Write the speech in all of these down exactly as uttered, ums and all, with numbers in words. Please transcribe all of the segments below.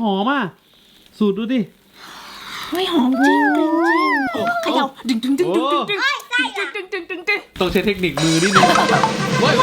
อมอ่ะสูตรดูดิเฮ้ยหอมจริงจริงจริงเขย่าดึงดึงดึงดึงดึงดึงดึงดึงดึงดึงดึงต้องใช้เทคนิคมือนิดนึงเว้ย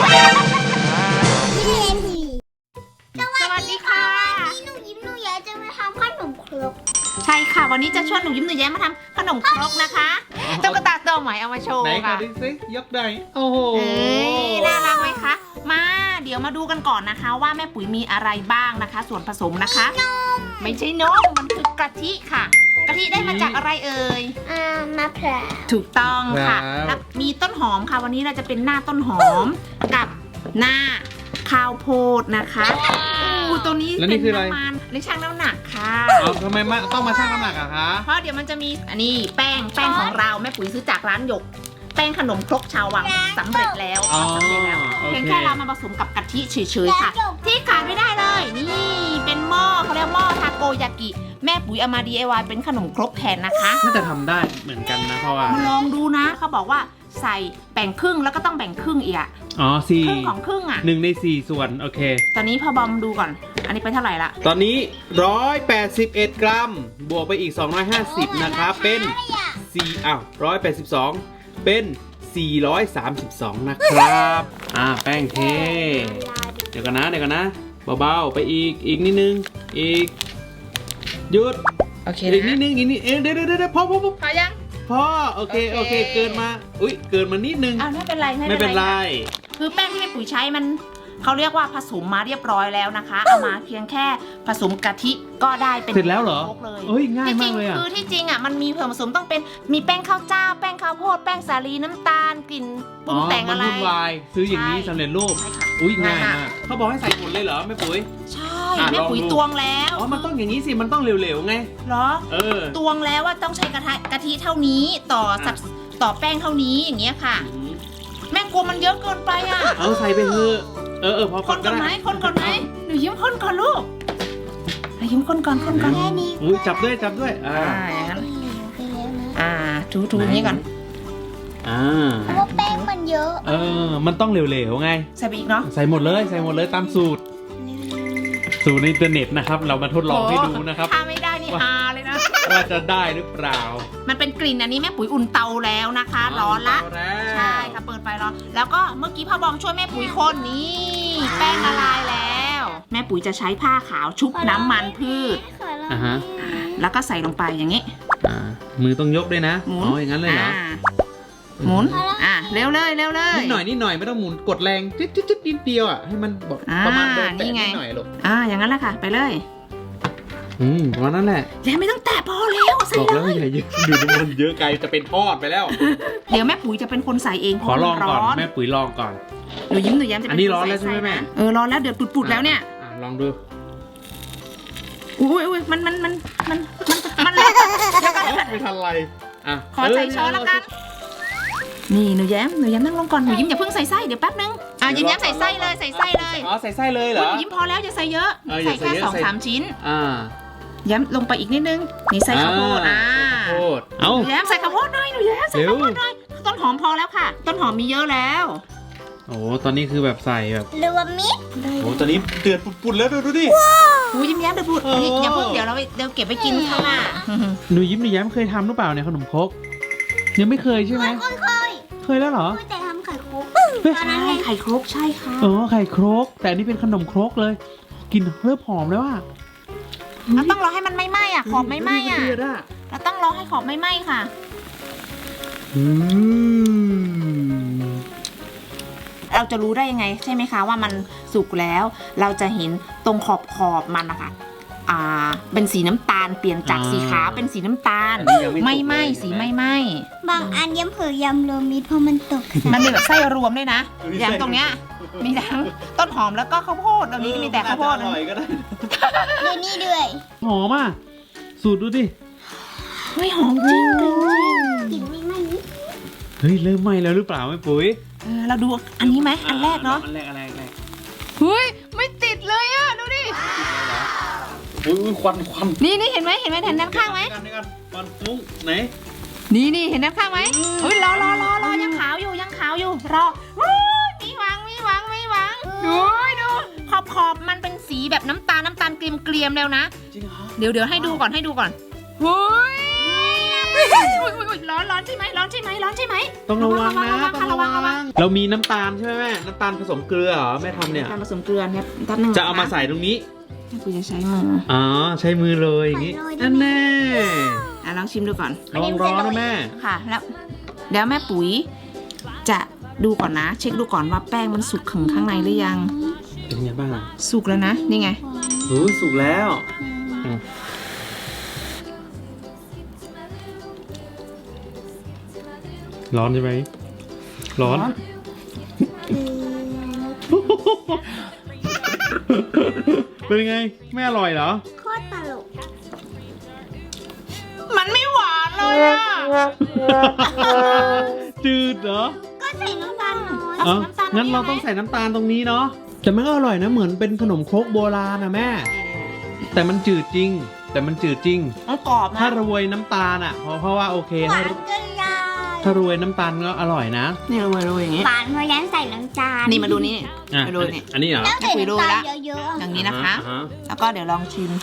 สวัสดีค่ะนี่หนูยิ้มหนูแย้จะมาทำขนมครกใช่ค่ะวันนี้จะชวนหนูยิ้มหนูแย้มมาทำขนมครกนะคะตุ๊กตาตัวใหม่เอามาโชว์ไหนขอค่ะดิสิยกได้โอ้โหเอ้ยน่ารักไหมคะมาเดี๋ยวมาดูกันก่อนนะคะ ว่าแม่ปุ๋ยมีอะไรบ้างนะคะ ส่วนผสมนะคะ ไม่ใช่นมมันคือกะทิค่ะกะทิได้มาจากอะไรเอ่ยอ่ามะพร้าวถูกต้องค่ะแล้วมีต้นหอมค่ะ วันนี้เราจะเป็นหน้าต้นหอมกับหน้าข้าวโพดนะคะอู้ตัวนี้เป็นน้ำมันในช่างน้ำหนักค่ะเอาทำไมมาต้องมาชั่งน้ำหนักอะคะเพราะเดี๋ยวมันจะมีอันนี้แป้งแป้งของเราแม่ปุ๋ยซื้อจากร้านหยก แป้งขนมครกชาววังสำเร็จแล้วสำเร็จแล้วเพียงแค่เรามาผสมกับกะทิเฉยๆค่ะ ที่ขาดไม่ได้เลย นี่เป็นหม้อเขาเรียกหม้อทาโกยากิแม่ปุ๋ยเอามา ดี ไอ วาย เป็นขนมครกแทนนะคะน่าจะทำได้เหมือนกันนะเพราะว่ามาลองดูนะเขาบอกว่าใส่แบ่งครึ่งแล้วก็ต้องแบ่งครึ่งอีกอะอ๋อสี่ครึ่งของครึ่งอะหนึ่งในสี่ส่วนโอเคตอนนี้พอบอมดูก่อน อันนี้ไปเท่าไหร่ละตอนนี้ร้อยแปดสิบเอ็ดกรัมบวกไปอีกสองร้อยห้าสิบนะครับเป็นสี่อ้าวร้อยแปดสิบสองเป็นสี่ร้อยสามสิบสองนะครับอ่าแป้งเทเดี๋ยวกันนะเดี๋ยวกันนะเบาๆไปอีกอีกนิดนึงอีกหยุดโอเคอีกนิดนึงอีกนิดเอ๊ะเดี๋ยวเดี๋ยวเดี๋ยวพอพอพอพอยังพอโอเคโอเคเกินมาอุ้ยเกินมานิดนึงอ้าวไม่เป็นไรไม่เป็นไรคือแป้งที่แม่ปุ๋ยใช้มันเขาเรียกว่าผสมมาเรียบร้อยแล้วนะคะ เอามาเพียงแค่ผสมกะทิก็ได้เป็นเสร็จแล้วเหรอคกเลยเอ้ยง่ายที่จมาริกงเลยอ่ะคือที่จริงอ่ะมันมีส่วนผสมต้องเป็นมีแป้งข้าวเจ้า แป้งข้าวโพดแป้งสาลีน้ำตาลกลิ่นปรุงแต่งมัอะไรวุ่นวายซื้ออย่างนี้ใช่สำเร็จรูปใช่ค่ะอุ้ยง่ายง่ายมามาก กเขาบอกให้ใส่หมดเลยเหรอแม่ปุ๋ยใช่อ่ะแม่ปุ๋ยลองดูตวงแล้วอ๋อมันต้องอย่างนี้สิมันต้องเหลวๆไงเหรอเออตวงแล้วว่าต้องใช้กระทะกะทิเท่านี้ต่อสัดต่อแป้งเท่านี้อย่างเงี้ยค่ะ แม่กลัวมันเยอะเกินไปอ่ะเอาใส่ไปเถอะเออเออพอคนก่อนไหมคนก่อนไหมหนูยิ้มคนก่อนลูกหนูยิ้มคนก่อนคนก่อนแค่นี้อุ้ยจับด้วยจับด้วยอ่าอ่าอย่างนั้นไปแล้วนะอ่าถูถูอย่างนี้ก่อนอ่าเพราะว่าแป้งมันเยอะเออมันต้องเหลวๆไงใส่ไปอีกเนาะใส่หมดเลยใส่หมดเลยตามสูตร สูตรในอินเทอร์เน็ตนะครับ เรามาทดลองให้ดูนะครับถ้าไม่ได้นี่ฮาเลยนะว่าจะได้หรือเปล่ามันเป็นกลิ่นอันนี้แม่ปุ๋ยอุ่นเตาแล้วนะคะ ร้อนละเาแล้วใช่ค่ะเปิดไฟร้อนแล้วก็เมื่อกี้พ่อบอมช่วยแม่ปุ๋ยคนนี่แป้งละลายแล้ว แม่ปุ๋ยจะใช้ผ้าขาวชุบน้ำมันพืชขอลองอ่าฮะแล้วก็ใส่ลงไปอย่างนี้อ่ามือต้องยกด้วยนะหมุนอ๋ออย่างนั้นเลยเหรออ่าหมุนอ่ะเร็วเลยเร็วเลยนิดหน่อยนิดหน่อยไม่ต้องหมุนกดแรงจิ๊ดจิ๊ดจิ๊ดนิดเดียวอ่ะให้มันแบบอ่าประมาณโดนนี่แตะไงนิดหน่อยลูกอ่าอย่างนั้นแหละค่ะ ไปเลยอืมประมาณนั้นแหละแล้วไม่ต้องแตะพอแล้วใส่บอกเลแล้วยอย่าเยอะดูดิมันเยอะไกลจะเป็นทอดไปแล้วเดี๋ยวแม่ปุ๋ยจะเป็นคนใส่เองขอลองก่อนเพราะมันแม่ปุ๋ยลองก่อนหนูยิ้มหนูย้มจะเป็นอันนี้คร้อนแล้วใช่ไหมส่แม่นะเออร้อนแล้วเดือดปุดๆแล้วเนี่ยอ่ะลองดูอุ้ยอุ้ยมันมันมันมันมันมันเลยเดี๋ยวก่อนเดี๋ยวก่อนไม่ทันไรอ่ะขอใส่ช้อนแล้วกัน นี่หนูแย้มหนูแย้มนั่งลงก่อนหนูยิ้มอย่าเพิ่งใส่ไส้เดี๋ยวแป๊บนึงอ่ะยิ้มแย้มใส่ไส้เลยใส่ไส้เลยอ๋อใส่ไส้เลยเหรหอนูยิ้มพอแล้วอย่าใส่เยอะเอออย่าใส่ใส่แค่เยอะสองใส่สามชิ้นอ่าแย้มลงไปอีกนิดนึงนี่ใส่ข้าวโพดอ่าข้าวโพดเอ้าหนูแย้มใส่ข้าวโพดหน่อยหนูแย้มใส่ข้าวโพดหน่อยต้นหอมพอแล้วค่ะ ต้นหอมมีเยอะแล้วโอ้ตอนนี้คือแบบใส่แบบรวมมิตรโอ้ตอนนี้เดือดปุดๆแล้วดูดิหนูยิ้มแย้มเดี๋ยวพูดโอ้นี่อย่าเพิ่งเดี๋ยวเราเดี๋ยวเก็บไปกินข้างหน้าหนูยิ้มหนูแย้มเคยทำหรือเปล่าเนี่ยขนมครกยังไม่เคยใช่ไหมเคยเคยเคยแล้วเหรอเคยแต่ทำไข่คุกใช่ไข่ครกใช่ค่ะเออไข่ครกแต่อันนี้เป็นขนมครกเลยกลินเริ่มหอมแล้วอ่ะเราต้องรอให้มันไม่ไหม้อ่ะขอบไม่ไหม้อ่ะเดือดอ่ะเราต้องรอให้ขอบไม่ไหม้ค่ะอืมเราจะรู้ได้ยังไงใช่ไหมคะว่ามันสุกแล้ว เราจะเห็นตรงขอบขอบมันนะคะอ่าเป็นสีน้ำตาลเปลี่ยนจากสีขาวเป็นสีน้ำตาลอันนี้ยังไม่สุกไม่ไหม้เลยสีไม่ไหม้บางอันย้ำเผือกยำรวมมิตรเพราะมันตกมันมีแบบไส้รวมด้วยนะมีไส้อย่างตรงเนี้ยมีทั้งต้นหอมแล้วก็ข้าวโพดตรงนี้ก็มีแต่ข้าวโพดน่จะอร่อยก็ได้เดี๋ยวนี้ด้วยหอมอ่ะสูตรดูดิเฮ้ยหอมจริงจริงจริงกลิ่นไม่ไหม้นิดเฮ้ยเริ่มไหม้แล้วหรือเปล่าแม่ปุ๋ยเออเราดูอันนี้ไหมอันแรกเนาะอันแรกอันแรกอันแรกเฮ้ยไม่ติดเลยอ่ะดูดิอุ้ยควันควันนี่นี่เห็นไหมเห็นไหมเห็นด้านข้างไหมเดี๋ยวกันควันฟุ้งไหนนี่นี่เห็นด้านข้างไหมเฮ้ยรอรอรอรอยังขาวอยู่ยังขาวอยู่รอเฮ้ยมีหวังมีหวังมีหวังดูดูขอบขอบมันเป็นสีแบบน้ำตาลน้ำตาลเกรียมๆแล้วนะจริงเหรอเดี๋ยวเดี๋ยวให้ดูก่อนให้ดูก่อนเฮ้ยอุ๊ยอุ๊ยอุ๊ยร้อนร้อนใช่ไหมร้อนใช่ไหมร้อนใช่ไหมต้องระวังนะระวังต้องระวังระวังเรามีน้ำตาลใช่ไหมแม่น้ำตาลผสมเกลือเหรอแม่ทำเนี่ยการผสมเกลือเนี่ยแป๊บนึงนคจะเอามาใส่ตรงนี้กูจะใช้มืออ๋อใช้มือเลยอย่างนี้นั่นแน่อ่ะลองชิมดูก่อนระวังร้อนนะแม่ค่ะแล้วเดี๋ยวแม่ปุ๋ยจะดูก่อนนะ เช็คดูก่อนว่าแป้งมันสุกถึงข้างในหรือยังเป็นไงบ้างอ่ะสุกแล้วนะนี่ไงโอ้ยสุกแล้วอืมร้อนใช่ไหมร้อน เป็นไงไม่อร่อยเหรอโคตรตลกมันไม่หวานเลยอะจืดเหรอก็ใส่น้ำตาลน้อยเอ้างั้นเราต้องใส่น้ำตาลตรงนี้เนาะแต่มันก็อร่อยนะเหมือนเป็นขนมครกโบราณนะแม่ แต่มันจืดจริง แต่มันจืดจริงมันกรอบนะถ้าโรยน้ำตาลอ่ะเพราะเพราะว่าโอเคหวาถ้านเกินเลยถ้าโรยน้ำตาลก็อร่อยนะนี่โรยโรยอย่างงี้หวานเพราะยันใส่น้ำตาลนี่มาดูนี่อ่ะไปโรยนี่อันนี้เหรอต้องใส่น้ำตาลเยอะอย่างนี้นะคะอ่าฮแล้วก็เดี๋ยวลองชิม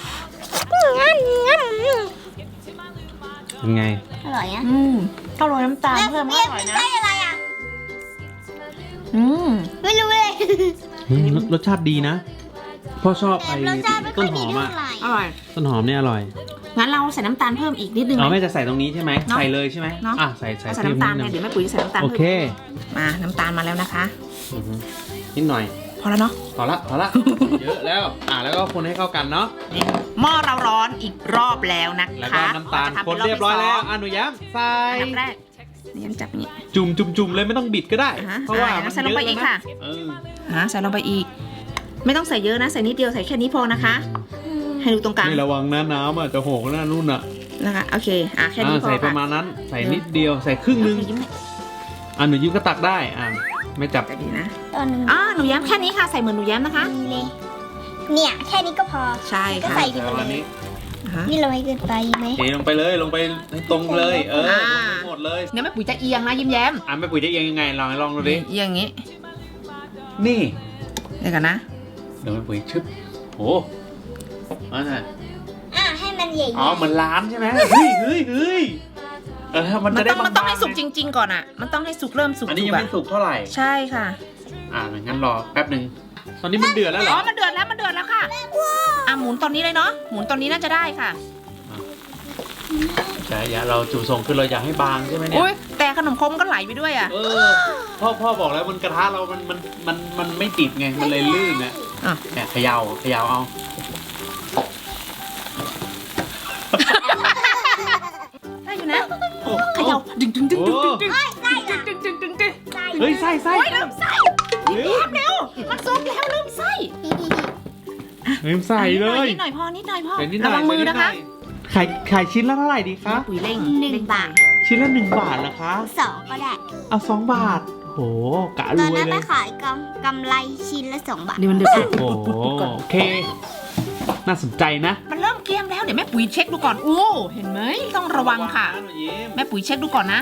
เป็นไงๆอร่อยอ่ะอืมก็โรยน้ำตาลเพิ่มก็อร่อยนะได้อะไรอ่ะอืมไม่รู้เลยอืมรสรสชาติดีนะพ่อชอบไอ้รสชาติไม่ค่ต้อน ยหดีอมเท่าอ่ะไหร่อร่อยต้นหอมเนี่ยอร่อยงั้นเราใส่น้ำตาลเพิ่มอีกนิดนึงอ๋อไหมแม่จะใส่ตรงนี้ใช่ไหมเนอะใส่เลยใช่ไหมเนอะอ่ะใส่ใส่เอาใส่เพิ่มน้ำตาลนิดไงนึงเดี๋ยวแม่ปุ๋ยจะใส่น้ำตาลโอเพิ่มเคมาน้ำตาลมาแล้วนะคะอือฮึนิดหน่อยพอแล้วเนาะพอละพอละ เยอะแล้วอ่ะแล้วก็คนให้เข้ากันเนาะนี่หม้อเราร้อนอีกรอบแล้วนะคะแล้วก็น้ำตาลจะทำคนป็เรียบร้อยแล้วที่สงอ่ะหนูย้ำใส่อันดับแรกนี่ย้ำจับอย่างนี้จุ่มจุ่มจุ่มเลยไม่ต้องบิดก็ได้อ่าฮะเพราะว่าอ่ามันใส่ลงไปเยอะอีกแล้วค่ะนะเอออ่าใส่ลงไปอีก ไม่ต้องใส่เยอะนะ ใส่นิดเดียวใส่แค่นี้พอนะคะ ให้ดูตรงกลางนี่ระวังนะน้ำอ่ะจะโหกหน้านู่นอ่ะนะคะโอเคอ่ะแค่นี้อ่าพอใส่ปค่ะระมาณนั้น ใส่นิดเดียวใส่ครึ่งนึงยิ้มหน่อยอ่ะหนูยิ้มก็ตักได้อ่ะไม่จับจะดีนะตอนนึงอ่าหนูแย้มแค่นี้ค่ะใส่เหมือนหนูแย้มนะคะดีเลย เนี่ยแค่นี้ก็พอใช่ก็ค่ะใส่ประมาณนี้อ่าฮะนี่เราไม่เกินไปไหมเทลงไปเลยลงไปให้ตรงเลย เออลงไปหมดเลยเดี๋ยวแม่ปุ๋ยจะเอียงนะยิ้มแย้มอ่ะแม่ปุ๋ยจะเอียงยังไงลองลองดูดิเอียงอย่างงี้นี่เดี๋ยวกันนะเดี๋ยวแม่ปุ๋ยชึบโอ้อันน่ะอ่ะให้มันใหญ่ๆอ๋อเหมือนร้านใช่ไหมเฮ้ยเฮ้ยเฮ้ยเออมันมัจะนได้ต้องมันต้องให้บางๆสุกจริง ๆ ก่อนอ่ะ มันต้องให้สุกเริ่มสุกอันนี้สุยักงอ่ะไม่สุกเท่าไหร่ใช่ค่ะอ่างั้นรอแป๊บหนึ่งตอนนี้มันเดือดแล้วเหรอ๋ออมันเดือดแล้วมันเดือดแล้วค่ะอ่ะหมุนตอนนี้เลยเนาะหมุนตอนนี้น่าจะได้ค่ะใช่อย่าเราจู่ส่งคือเราอยากให้บางใช่ไหมเนี่ยอุ้ยแต่ขนมครกมันก็ไหลไปด้วยอ่ะเออพ่อพ่อบอกแล้วมันกระทะเรามันมันมันมันไม่ติดไงมันเลยลื่นนะอ่ะเนี่ยเขย่าเขย่าเอาได้อยู่นะโอ้เขย่าดึงดึงดึงดึงดึงดึงใส่อ่ะดึงดึงดึงดึงใส่เฮ้ยไส้ไส้โอ้ยลืมไส้เร็วเร็วมันซุกแล้วลืมไส้เร็วใส่เลยนิดหน่อยพอนิดหน่อยพอใส่นิดหน่ระอยวังมือนะคะขายขายชิ้นละเท่าไหร่ดีคะปุ๋ยเร่งหนึ่งบาทชิ้นละหนึ่งบาทเหรอคะสองก็ได้เอาสองบาทโหกะตรอนวยนั้นเลไปยขายกำกำไรชิ้นละสองบาทเดี๋ยวมันเดือดโอ้โหโอเค น่าสนใจนะมันเริ่มเกรียมแล้วเดี๋ยวแม่ปุ๋ยเช็คดูก่อนโอ้เห็นไหมต้องระวังค่ะหนูยิ้มแม่ปุ๋ยเช็คดูก่อนนะ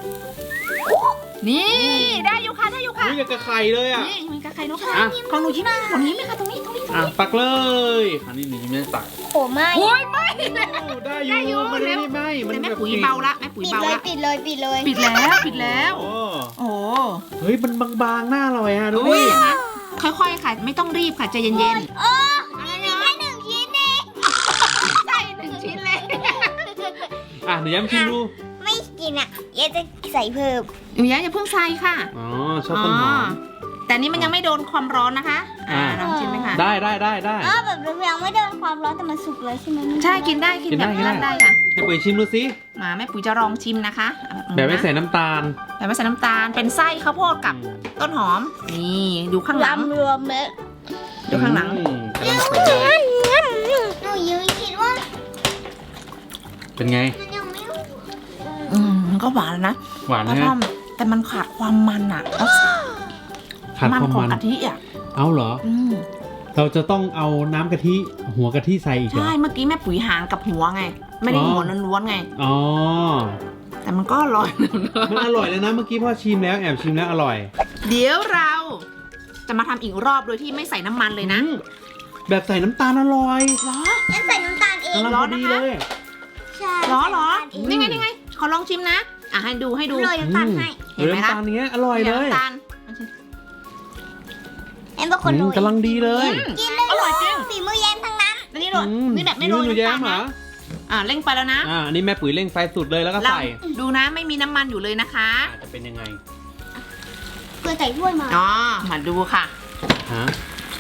นี่ได้อยู่ค่ะได้อยู่ค่ะอุ้ยอยากกระไข่เลยอ่ะนี่มีกระไข่นกค่ะอ่ะของหนูยิ้มของหนูยิ้มไหมคะตรงนี้ตรงนี้ตรงอ่ะนี้ตักเลยอันนี้หนูยิ้มไม่ได้ตักโอ้ไม่โอ้ยไม่ได้อได้อยู่ยู่มันไม่ได้ไหมมันแต่แม่แบบปุ๋ยเบาละแม่ปุ๋ยปิดเบาเลยละปิดเลยปิดเลยปิดแล้วปิดแล้วโอ้โอ้เฮ้ยมันบางๆน่าอร่อยอ่ะดูโอ้ยดิอย่างนั้นค่อยๆค่ะไม่ต้องรีบค่ะใจเย็นโอ้มีมีแค่หนึ่งชิ้นเองๆใส่หนึ่งชิ้นเลยอ่ะหนูย้ำชิมดูไม่กินอ่ะเอ๊ะจะใส่เพิ่มหนูย้อย่าเพิ่งใส่ค่ะอ๋อชอบต้นหอมแต่นี่มันยังไม่โดนความร้อนนะคะอ่าอ่าลองชิมไหมคะได้ได้ได้ได้อ๋อแบบยังไม่โดนความร้อนแต่มันสุกเลยใช่ไหมใช่กินได้กินกินแบได้บกินได้นั้นได้ค่ะให้ปุ๋ยชิมดูสิมาแม่ปุ๋ยจะลองชิมนะคะอ่ะแบบไม่นะใส่น้ำตาลแบบไม่ใส่น้ำตาลเป็นไส้ข้าวโพดกับต้นหอมนี่ดูข้างหลังลำรวมเม็ดดูข้างหลังอืมกำลังสวยหนูยืนคิดว่าเป็นไงมันยังไม่อืมมันก็หวานนะหวานกระนะท่อมแต่มันขาดความมันอ่ะแล้วขาดมันความของมันกะทิอ่ะเอาเหรออืมเราจะต้องเอาน้ำกะทิหัวกะทิใส่อีกเหรอใช่เมื่อกี้แม่ปุ๋ยหางกับหัวไง ไม่ได้อ๋อหัวล้วนๆไงอ๋อแต่มันก็อร่อยมันอร่อยเลยนะเมื่อกี้พ่อชิมแล้วแอบชิมแล้วอร่อยเดี๋ยวเรา จจะมาทำอีกรอบโดยที่ไม่ใส่น้ำมันเลยนะอืมแบบใส่น้ำตาลอร่อยเหรอฉันใส่น้ำตาลเองกำลังพอดีเลยใช่เหรอเหรอใส่นี่น้ำตาลเองไงนี่ไงขอลองชิมนะอ่ะให้ดูให้ดูโรยน้ำตาลให้เห็นไหมน้ำคะตาลเนี้ยอร่อยเลยน้ำตาลแอมเป็นคนโรอืมยกำลังดีเลยกินได้อร่อยจริงฝีมือแย้มทั้งนั้นอันนี้โรยอืมนี่แบบไม่โรยหนูน้ำแย้ตาลมเหรนะออ่ะเร่งไปแล้วนะอ่าอันนี้แม่ปุ๋ยเร่งไฟสุดเลยแล้วก็เราใส่ดูนะไม่มีน้ำมันอยู่เลยนะคะอ่าจะเป็นยังไงเพื่อใส่ถ้วยมาอ๋อมาดูค่ะฮะ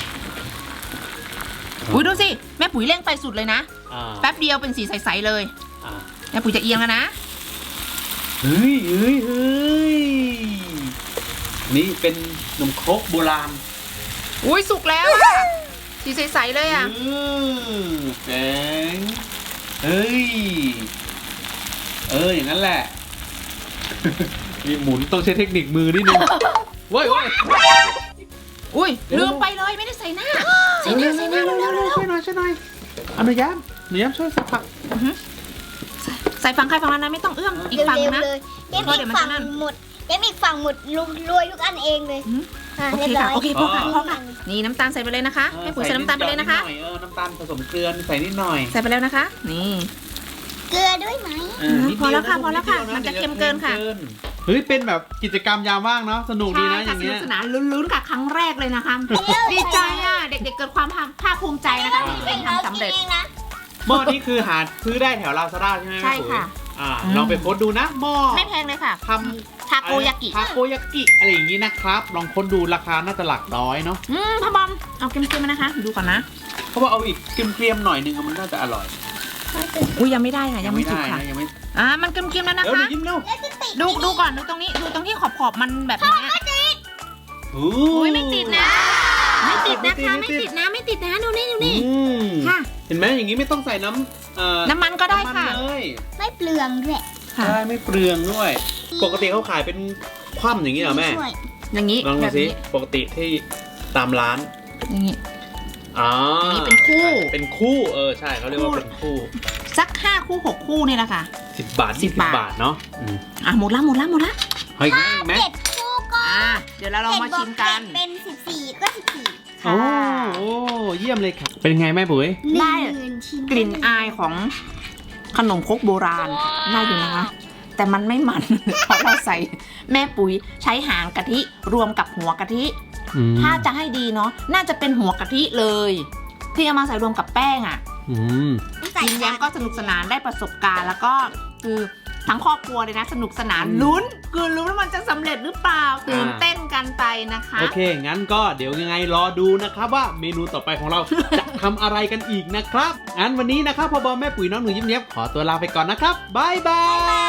อุ้ยดูสิแม่ปุ๋ยเร่งไฟสุดเลยนะอ่าแป๊บเดียวเป็นสีใสๆเลยอ่าแม่ปุ๋ยจะเอียงแล้วนะเฮ้ยเฮ้ยเฮ้ยนี่เป็นขนมครกโบราณอุ้ยสุกแล้วอะสีใสๆเลยอ่ะอืมแดงเฮ้ย เออ อย่างนั้นแหละ มีหมุนต้องใช้เทคนิคมือนิดนึงเว้ยเว้ยอุ้ยลืมไปเลยไม่ได้ใส่หน้า ใส่หน้าใส่หน้าเร็วๆเร็วช่วยหน่อยช่วยหน่อยเอาหนูย้ำหนูย้ำช่วยสักพักๆใส่ฝั่งใครฝั่งมันนะไม่ต้องเอื้อมอีกฝั่งเร็วนะๆเลยแย้มเพราะเดี๋อียวกมันฝั่จะงนั่นหมดแย้มอีกฝั่งหมดลุรวยทุกอันเองเลยอืมอ่ะโอเรียเคบร้ค่ะอยโอเคพอค่ะพอค่ะนี่น้ำตาลใส่ไปเลยนะคะแม่ปุ๋ยใส่น้ำตาลไปเลยนะคะใส่ดหอยเออน้ำตาลผสมเกลือใส่นิดหน่อยใส่ไปแล้วนะคะ นี่เกลือด้วยไหมเออนิดพอแล้วเดียค่ะนพอแล้วค่ะดดียมันจะเค็มเกินค่ะเฮ้ยเป็นแบบกิจกรรมยามว่างเนาะสนุกดีใช่นะอค่ะย่างสเงี้นุยกสนานลุ้นๆค่ะครั้งแรกเลยนะคะ ดีใจอ่ะเด็กๆเกิดความภาคภูมิใจนะคะที่ตัวเองทำสำเร็จกินองนะหม้อนี้คือหาซื้อได้แถวลาซาด้าใช่ไหมใช่ค่ะอ่าอืมลองไปโพสต์ดูนะหม้อไม่แพงเลยค่ะทำทาโกยากิทาโกยากิอะไรอย่างงี้นะครับ ลองค้นดูราคาน่าจะหลักร้อยเนาะอืมพ่อบอมเอาเค็มๆมานะคะ ดูก่อนนะเขาบอกเอาอีกเกรียมๆหน่อยนึงมันน่าจะอร่อยอุ้ยยังไม่ได้ค่ะยังไม่สุกได้ค่ะนะยังไม่อ่ามันเค็มๆแล้วนะเดี๋ยวคะดูยิ้มเร็วแล้วจะติดดูดูก่อนดูตรงนี้ดูตรงที่ขอบขอบๆมันแบบนี้โอ้อุ้ยไม่ติดนะ ไม่ติดนะคะไม่ไม่ติดติดนะไม่ติดนะดูนี่ดูนี่อืมค่ะเห็นไหมอย่างงี้ไม่ต้องใส่น้ำเอ่อน้ำมันก็ได้น้ำมันค่ะเลยไม่เปลืองด้วยค่ะใช่ไม่เปลืองด้วย ปกติเขาขายเป็นคว่ำอย่างนี้เหรอแม่ช่วยอย่างนี้ลองดูแบบสินี้ปกติที่ตามร้านอย่างนี้อ๋ออย่างนี้เป็นคู่เป็นคู่เออใช่เขาเรียกว่าเป็นคู่สักห้าคู่หกคู่นี่แหละค่ะสิบบาทสิยี่บสิบบาทบาทเนาะอืมอ่ะหมดละหมดละหมดละเฮ้ยอีกไหมเจ็ดคู่ก็อ่ะเดี๋ยวเราลองมาชิมกันเจ็ดบวเจ็ดเป็นสิบสี่ก็สิบสี่โอ้โอ้เยี่ยมเลยครับเป็นไงแม่ปุ๋ยได้หนึ่งชิ้นกลิ่นอายของขนมครกโบราณน่าอยู่นะคะ แต่มันไม่มัน เพราะเราใส่แม่ปุ๋ยใช้หางกะทิรวมกับหัวกะทิอืมถ้าจะให้ดีเนาะน่าจะเป็นหัวกะทิเลย ที่เอามาใส่รวมกับแป้งอ่ะอืมใส่ยิ้มแย้มก็สนุกสนานได้ประสบการณ์ แล้วก็คือทั้งครอบครัวเลยนะ สนุกสนานลุ้นคือลุ้นว่ามันจะสำเร็จหรือเปล่าตื่นเต้นกันไปนะคะโอเค งั้นก็เดี๋ยวยังไงรอดูนะครับว่าเมนูต่อไปของเรา จะทำอะไรกันอีกนะครับ งั้นวันนี้นะครับพ่อบอมแม่ปุ๋ยน้องหนูยิ้มเย็บขอตัวลาไปก่อนนะครับบายบาย